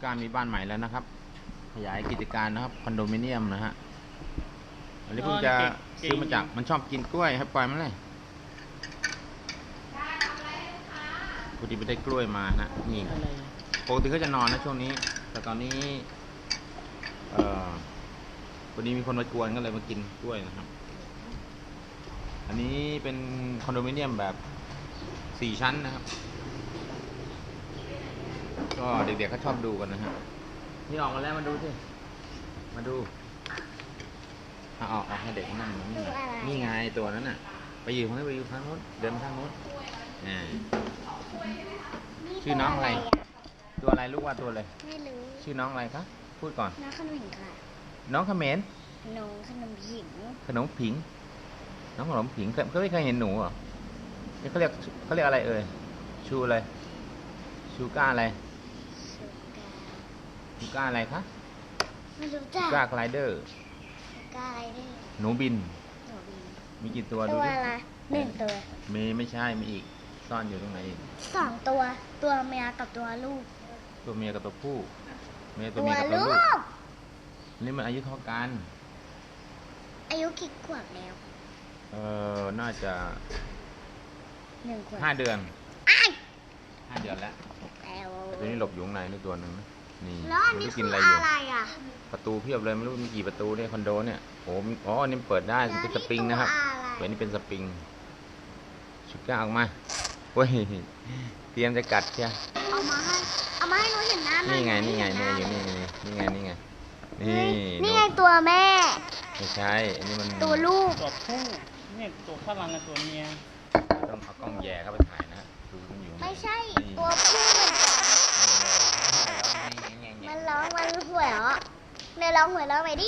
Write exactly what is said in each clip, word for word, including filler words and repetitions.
การมีบ้านใหม่แล้วนะครับขยายกิจการนะครับคอนโดมิเนียมนะฮะอันนี้เพิ่งจะซื้อมาจากมันชอบกินกล้วยครับปล่อยมันเลยพอดีไปได้กล้วยมานะนี่ปกติเขาจะนอนนะช่วงนี้แต่ตอนนี้เอ่อวันนี้มีคนมากวนก็เลยมากินกล้วยนะครับอันนี้เป็นคอนโดมิเนียมแบบสี่ชั้นนะครับก็เด็กๆเขาชอบดูกันนะฮะนี่ออกมาแล้วมาดูสิมาดูเอาออกออกให้เด็กนั่งนี่นี่ไงตัวนั้นน่ะไปอยู่ข้างนู้นไปอยู่ข้างนู้นเดินไปข้างนู้นอ่าชื่อน้องอะไรตัวอะไรลูกว่าตัวอะไรไม่รู้ชื่อน้องอะไรคะพูดก่อนน้องขนมผิงค่ะน้องเขมรน้องขนมผิงขนมผิงน้องขนมผิงเขาไม่เคยเห็นหนูเหรอเขาเรียกเขาเรียกอะไรเอ่ยชูอะไรชูก้าอะไรชูก้าอะไรคะไม่รู้จักชูก้าไกลเดอร์ชูก้าอะไรนี่หนูบินหนูบินมีกี่ตัวดูตัวดิอะไรหนึ่งตัวมีไม่ใช่มีอีกซ่อนอยู่ตรงไหนอีกสองตัวตัวเมียกับตัวลูกตัวเมียกับตัวผู้เมียตัวเมียกับตัวลูกนี่มันอายุเท่ากันอายุกี่ขวบแล้วเออน่าจะหนึ่งขวบห้าเดือนห้าเดือนแล้วตัวนี้หลบอยู่ข้างในนี่ตัวหนึ่งนะนี่ไม่กินอะไรอยู่ประตูเพียบเลยไม่รู้มีกี่ประตูเนี่ยคอนโดเนี่ยโอ้อ๋อนี่เปิดได้เป็นสปริงนะครับเปิดนี่เป็นสปริงชุดก้าออกมาเว้ยเตรียมจะกัดใช่เอามาให้เอามาให้หนูเห็นหน้านี่ไงนี่ไงนี่ไงอยู่นี่นี่ไงนี่ไงนี่นี่ไงตัวแม่ไม่ใช่อันนี้มันตัวลูกตัวผู้นี่ตัวข้างหลังกับตัวเมียต้องเอากล้องแย่เข้าไปถ่ายนะดูมันอยู่ไม่ใช่ตัวผู้มันร้องมันหัวเราะเนี่ยร้องหัวเราะไปดิ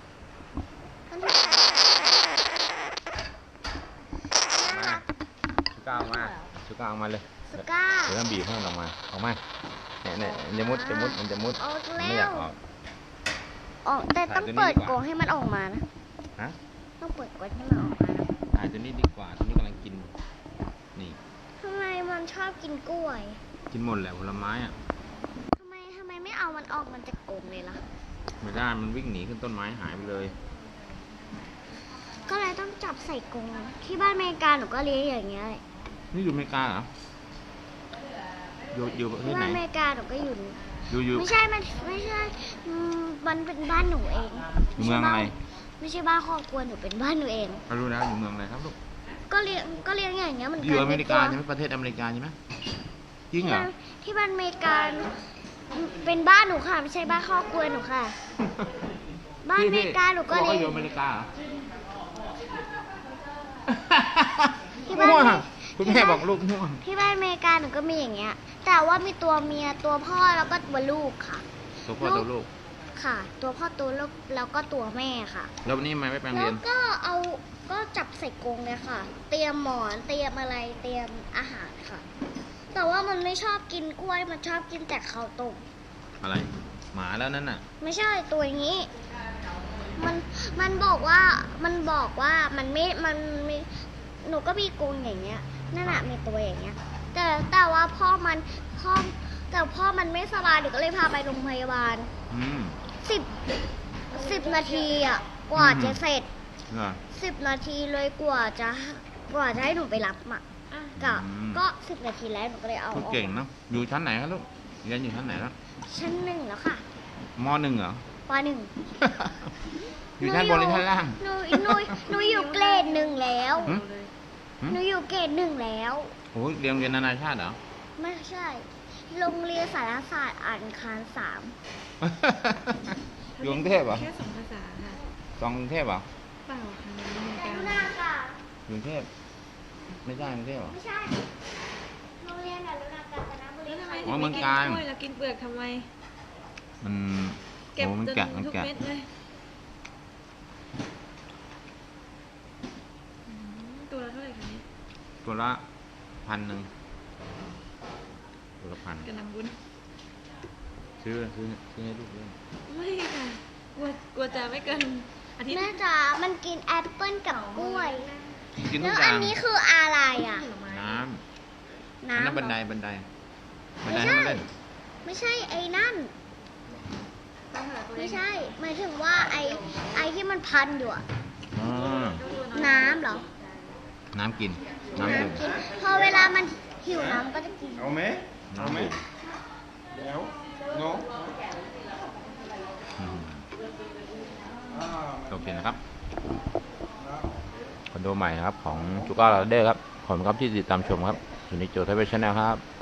ชุก้าออกมาชุก้าออกมาเลยชุก้าเดี๋ยวต้องบีบให้มันออกมาออกมาเนี่ยเนี่ยมันจะมุดจะมุดมันจะมุดไม่อยากออกออกแต่ต้องเปิดกรงให้มันออกมานะฮะต้องเปิดกรงให้มันออกมานะถ่ายตัวนี้ดีกว่าตัวนี้กำลังกินนี่ทำไมมันชอบกินกล้วยกินหมดแหละผลไม้อ่ะทำไมทำไมไม่เอามันออกมันจะโกงเลยล่ะไม่ได้มันวิ่งหนีขึ้นต้นไม้หายไปเลยก็เลยต้องจับใส่กรงที่บ้านอเมริกาหนูก็เลี้ยงอย่างเงี้ยนี่อยู่อเมริกาเหรออยู่อยู่ประเทศไหนที่บ้านอเมริกาหนูก็อยู่อยู่อยู่ไม่ใช่มันไม่ใช่มันเป็นบ้านหนูเองอยู่เมืองอะไรไม่ใช่บ้านครอบครัวหนูเป็นบ้านหนูเองเขารู้แล้วอยู่เมืองอะไรครับลูกก็เลี้ยงก็เลี้ยงอย่างเงี้ยมันอยู่อเมริกาใช่ไหมประเทศอเมริกาใช่ไหมจริงเหรอที่บ้านอเมริกาเป็นบ้านหนูค่ะไม่ใช่บ้านครอบครัวหนูค่ะบ้านอเมริกาหนูก็เลี้ยงอยู่อเมริกาที่บ้านคุณแม่บอกลูกง่วงที่บ้านอเมริกาหนูก็มีอย่างเงี้ยแต่ว่ามีตัวเมียตัวพ่อแล้วก็ตัวลูกค่ะตัวพ่อตัวลูกค่ะตัวพ่อตัวลูกแล้วก็ตัวแม่ค่ะแล้ววันนี้ไม่ไปแปลงเรียนแล้วก็เอาก็จับใส่กรงเลยค่ะเตรียมหมอนเตรียมอะไรเตรียมอาหารค่ะแต่ว่ามันไม่ชอบกินกล้วยมันชอบกินแต่ข้าวต้มอะไรหมาแล้วนั่นน่ะไม่ใช่ตัวอย่างนี้มันมันบอกว่ามันบอกว่ามันไม่มันไม่หนูก็มีกรงอย่างเงี้ยนั่นน่ะมีตัวอย่างเงี้ยแต่แต่ว่าพ่อมันพ่อแต่พ่อมันไม่สบายเดี๋ยวก็เลยพาไปโรงพยาบาลสิบสิบนาทีอ่ะกว่าจะเสร็จสิบนาทีเลยกว่าจะกว่าจะให้หนูไปรับอ่ะกับก็สิบนาทีแล้วหนูก็เลยเอาออกเก่งเนาะอยู่ชั้นไหนครับลูกเรียนอยู่ชั้นไหนแล้วชั้นหนึ่งแล้วค่ะมหนึ่งเหรอปหนึ่งอยู่ชั้นบนหรือชั้นล่างหนูหนูหนูอยู่เกรดหนึ่งแล้วหนูอยู่เกรดหนึ่งแล้วโอ้ยเรียนเรียนนานาชาติเหรอไม่ใช่โรงเรียนสารศาสตร์อ่านคารสามอยู่กรุงเทพเหรอแค่สองภาษาค่ะสองกรุงเทพเหรอเปล่าค่ะกรุงเทพไม่ใช่กรุงเทพเหรอไม่ใช่โรงเรียนอนุรักษ์กาญจนบุรีอ๋อเมืองการแล้วกินเปลือกทำไมมันเก็บจนทุกเม็ดเลยตัวละเท่าไหร่คะนี้ตัวละพันหนึ่งตัวละพันกระนำบุญซื้อซื้อซื้อให้ลูกด้วยไม่ค่ะกลัวกลัวจะไม่เกินอาทิตย์แม่จ๋ามันกินแอปเปิ้ลกับกล้วยกินทุกอย่างแล้วอันนี้คืออะไรอ่ะน้ำน้ำบันไดบันไดบันไดให้มันเล่นไม่ใช่ไอ้นั่นไม่ใช่หมายถึงว่าไอไอที่มันพันอยู่อะอืมน้ำเหรอน้ำกิน น้ำดื่มน้ำกินพอเวลามันหิวน้ำก็จะกินเอาไหมเอาไหมน้ำดื่มเดี๋ยวโน้อืมอ่าโอเคนะครับคอนโดใหม่นะครับของจูก้าลาเดอร์ครับขอบคุณครับที่ติดตามชมครับอยู่ในโจทย์ไทยเวชแนลครับ